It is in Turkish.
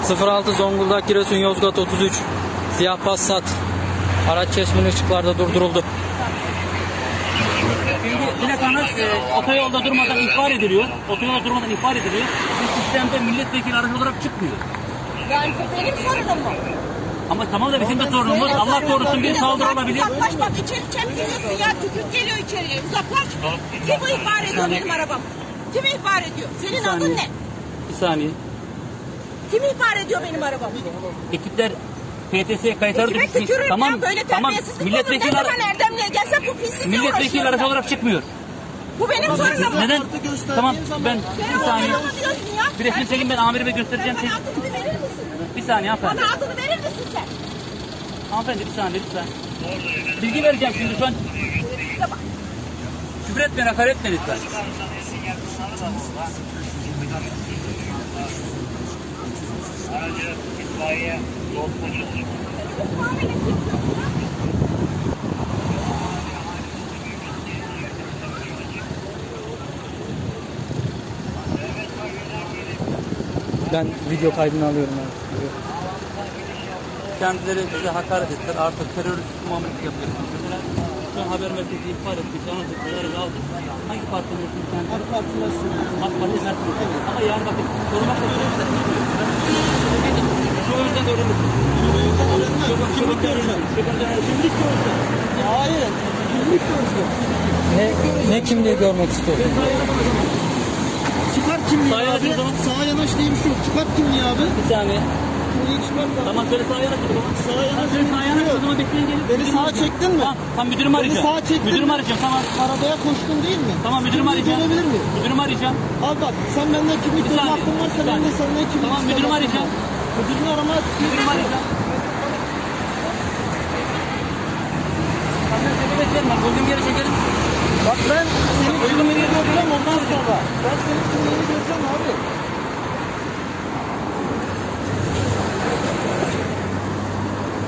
06 Zonguldak Giresun Yozgat 33 Siyah Passat. Araç çeşmeli ışıklarda durduruldu. Şimdi plakanız otoyolda durmadan ihbar ediliyor. Otoyolda durmadan ihbar ediliyor. Bu sistemde milletvekili aracı olarak çıkmıyor. Yani bu benim sorunum mu? Ama tamam da bizim de sorunumuz. Allah korusun bir saldırı olabilir. Uzaklaş bak, içeri geliyorsun ya, tükürük geliyor içeriye. Uzaklaş. Kim bu ihbar ediyor benim arabam? Kim ihbar ediyor? Senin adın ne? Bir saniye. Kim ihbar ediyor benim arabamı? Ekipler PTS kayıtları Kime düşmüş. tükürürüm Tamam, ya, böyle tamam. terbiyesizlik Milletvekili olur. Ne zaman Erdemli'ye gelsem bu pislikle milletvekili uğraşıyorum aracı ben. olarak çıkmıyor. Bu benim sorunum mu? Neden? Tamam ben Sen bir saniye. adını diyorsun ya. Bir resmi çekin, ben amirime göstereceğim. Bana adını bir verir misin? Bir saniye hanımefendi. Bana adını verir misin sen? Hanımefendi bir saniye lütfen. Bilgi vereceğim şimdi şu an. Küfür etmeyin, hakaret etmeyin lütfen. Aracı itfaiye yol polisi. Ben video kaydını alıyorum abi. Kendileri bize hakaret ettiler. Artık terörist muamelesi yapıyorsunuz. Mesela şu an haber merkezi ihbar ettik. Anlatıkları aldık. Hangi parti mensubu kendisi? AK Parti mensubu. AK Parti mensubu. Evet. Ama yani bakın korumakla süreçte şu yüzden öğrenirsiniz. Kimlik göreceğim. Kimlik göreceğim. Hayır. Kimlik göreceğim. Ne kimliği görmek istiyorsun? Çıkart kimliği Sağa abi. yanaş o zaman. Sağa yanaş diye bir şey yok. Çıkart kimliği abi. Bir saniye. Kimliği çıkart abi. Tamam şöyle sağa yanaş o zaman. Sağa yanaş Şöyle diye sağa bir şey yanaş o yok. zaman bekleyin gelin. Beni sağa çektin mi? Tamam müdürümü arayacağım. sağa çektin Müdürümü mi? arayacağım tamam. Arabaya koştun değil mi? Tamam müdürümü Kimliği arayacağım. görebilir miyim? Müdürümü arayacağım. Abi bak sen benden kimlik Bir görme saniye, hakkın varsa bir ben de saniye. senden kimlik Tamam, isteme müdürümü hakkım arayacağım. var. Müdürünü arama. Müdürümü arayacağım. Sen seni beklerim bak. Uygun bir yere çekelim. Bak ben senin kimliğini göreceğim ondan sonra. Ben senin kimliğini göreceğim abi.